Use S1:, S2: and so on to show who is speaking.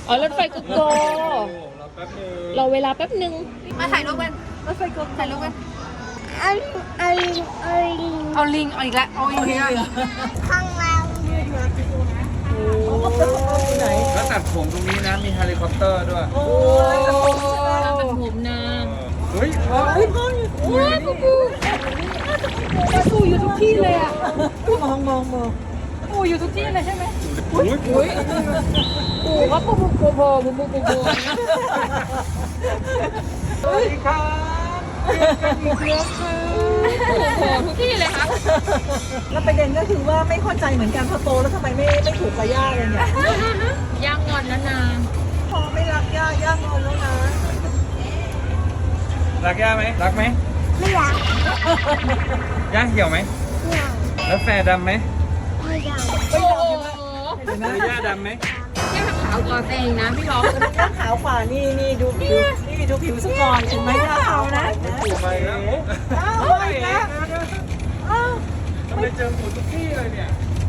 S1: อ๋อรถไฟโกโก้
S2: เราแป๊บนึง
S1: รอเวลาแป๊บหนึ่ง
S3: มาถ่ายรูปกันรถไฟกลมถ่ายรูปกัน
S4: เอาลิง
S3: เอาลิงเอาอีกแล้วเอาอีกแล้ว
S4: ข้างล่าง
S2: แล้วตัดผมตรงนี้นะมีเฮลิคอปเตอร์ด้วย
S1: โอ้เราเป็นผมนะ
S2: เฮ้ยพ่อ
S1: ว้าวปูปูปูอยู่ทุกที่เลยอ่ะ
S3: ปูอยู่ทุกที่เลยใช่ไหม
S2: อุ้ย
S1: อุ้ยปูก็ปูปูปูปูปูปูปูปู
S2: สวัสดีครับ
S1: ปูทุกที่เลยครับ
S5: แล้วประเด็นก็คือว่าไม่เข้าใจเหมือนกันพอโตแล้วทำไมไม่ถูกกับย่าเลยเนี่ย
S1: ย่างงอนแล้วนะ
S5: พอไม่รักย่างอนแล้วนะ
S2: รักย่าไหมรักไหม
S4: ไม่อยาก
S2: ย่าเหี่ยวไหม
S4: ไม่อยาก
S2: แล้วแฟร์ดำไหม
S4: ไม่อยาก
S1: โอ้โห
S2: แล้วย่าดำไหม
S1: ย่าขาวกว่าแตงนะพี่ล้อ
S5: ย่างขาวกว่านี่ดูผิวนี่ดูผิวสปอนเห็นไหมย่าขาวนะ
S2: ถูกไปแล้ว
S5: อ้าวไปแล้วอ้าว
S2: ทำไมเจอหมูทุก